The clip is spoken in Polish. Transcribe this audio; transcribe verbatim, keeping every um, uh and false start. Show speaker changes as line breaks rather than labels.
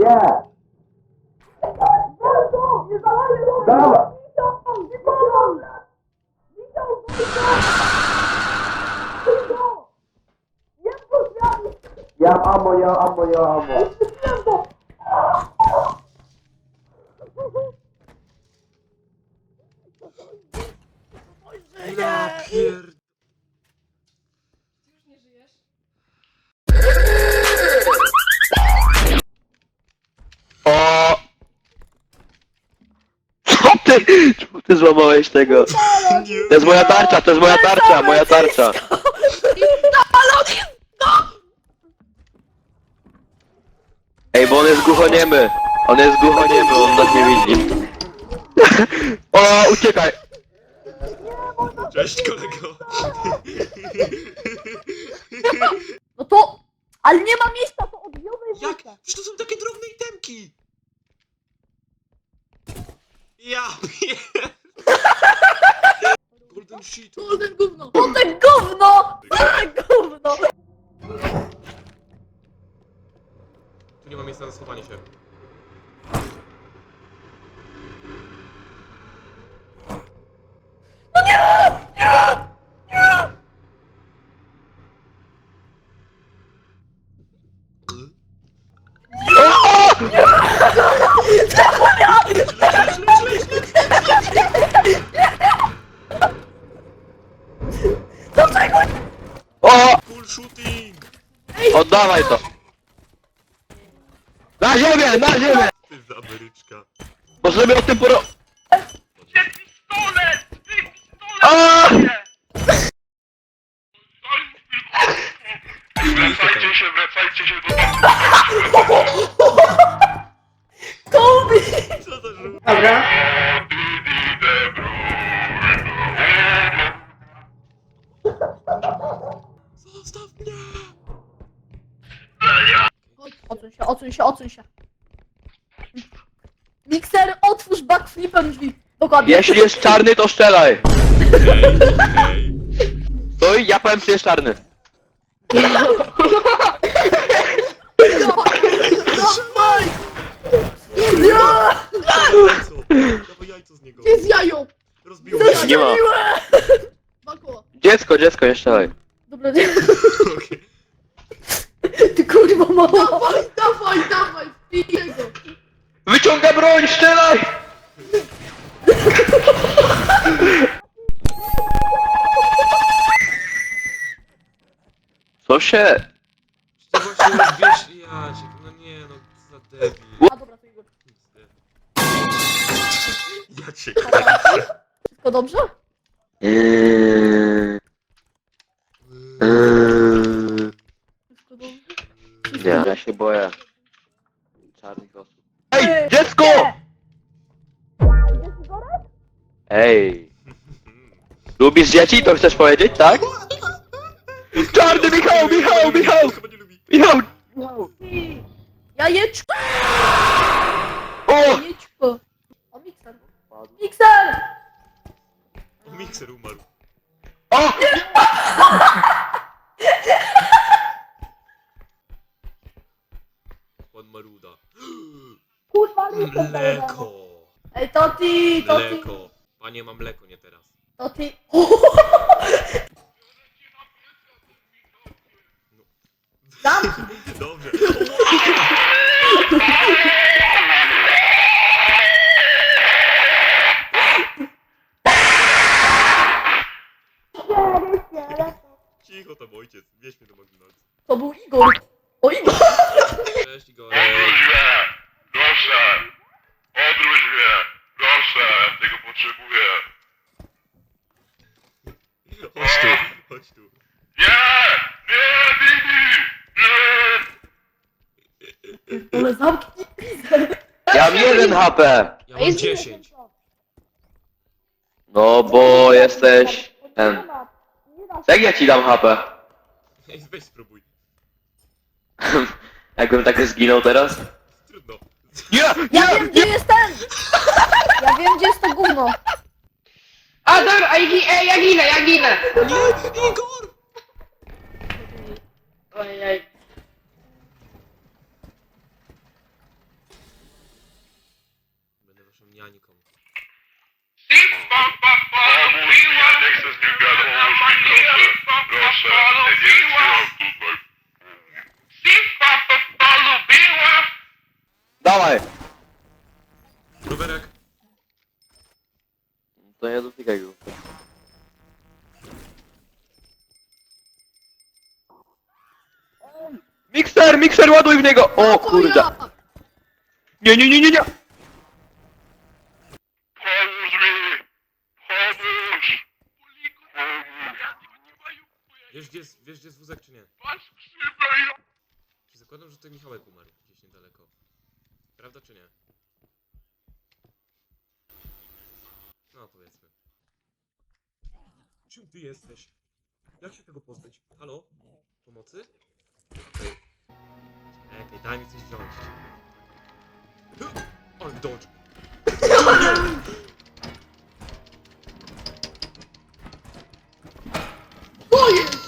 Nie! Dawaj! Ja mam ammo, ja mam ammo, ja mam ammo.
Ja pier...
Ty już nie żyjesz?
O! Co ty? Czemu ty złamałeś tego? To jest moja tarcza, to jest moja tarcza, moja tarcza. Ej, bo on jest głuchoniemy. On jest głuchoniemy, on nas nie widzi. O, uciekaj!
Cześć kolego.
No to... Ale nie ma miejsca, to odbiorę i
Jak?
wrzucę.
Przecież to są takie drobne itemki. Ja pier... Golden shit.
Golden gówno! Golden gówno! Golden gówno!
Tu nie ma miejsca na schowanie się.
Dlaczego?
O!
Cool shooting!
Oddawaj to! Na ziemię, na ziemię!
Ty za Ameryczka.
Bo sobie o tym poro... A!
Wracajcie się, wracajcie się do
Kobi!
Co to żółte?
Dobra.
Zostaw mnie!
Odsuń się, odsuń się, odsuń się. Mikser, otwórz backflipem drzwi. Dokładnie.
Jeśli jest czarny, to strzelaj!
Hej, hej.
Stój, ja powiem, czy jest czarny.
Dawaj! Nie!
Dawaj jajco! Dawaj jajco z niego!
Gdzie jest jajo?
Rozbiło się!
Nie ma.
Bako.
Dziecko, dziecko, nie strzelaj.
Dobra, nie.
Okej.
Ty kurwa mała. Dawaj, dawaj, dawaj, wpij go.
Wyciąga broń, strzelaj! Co się?
To właśnie wiesz, Jacek, no nie no, za debil.
A dobra, to Igor.
Jacek.
Wszystko dobrze?
Eee, eee,
Wszystko dobrze?
Nie, ja się boję. Czarnych osób. Ej, dziecko!
Idziesz Igorek?
Ej. Lubisz dzieci? To chcesz powiedzieć, tak? Czarny Michał, Michał, Michał!
Chyba nie lubi.
Michał!
Jajeczko!
O!
Jajeczko! O, mikser! Mikser!
O, mikser umarł.
O!
Pan Maruda.
Kurwa, mikser!
Mleko!
Ej, Toti! Toti!
Mleko! Panie, mam mleko, nie teraz.
Toti! Zamknij!
Dobrze. Cicho tam ojciec, wieź mnie do McDonald's.
To był Igor! O, Igor!
Cześć Igorek.
Odwróć mnie! Proszę! Odwróć mnie! Proszę! Tego potrzebuję!
Chodź tu, chodź tu.
Nie! Nie! Bibi! Nie!
Ale zamknij pizę!
Ja mam jeden H P.
Ja mam dziesięć.
No bo jesteś... ten... Jak ja ci dam H P?
Ej, weź spróbuj.
Jakbym tak zginął teraz?
Trudno.
Nie!
Ja wiem, gdzie jest ten! Ja wiem, gdzie jest to gówno!
A dobra, ej, gi- ej, ja ginę, ja ginę!
Nie! Igor!
Ojej.
ja nikomu.
Pomóż mi, ja nie chcę z nim gadać, pomóż mi, proszę. Proszę, ja nie wytrzymam tutaj.
Dawaj!
Rowerek!
To nie dotykaj go. Mikser, mikser, ładuj w niego! O kurde!
ja!
Nie, nie, nie, nie, nie!
Pomóż mi! Pomóż! Pomóż!
Wiesz gdzie jest, wiesz gdzie jest wózek czy nie?
Masz krzywdę, ja...
Czy zakładam, że tutaj Michałek umarł gdzieś niedaleko? Prawda czy nie? No powiedzmy. Czym ty jesteś? Jak się tego pozbyć? Halo? Pomocy? Okej. Czekaj, daj mi coś wziąć. Ale dodge!
Co jest?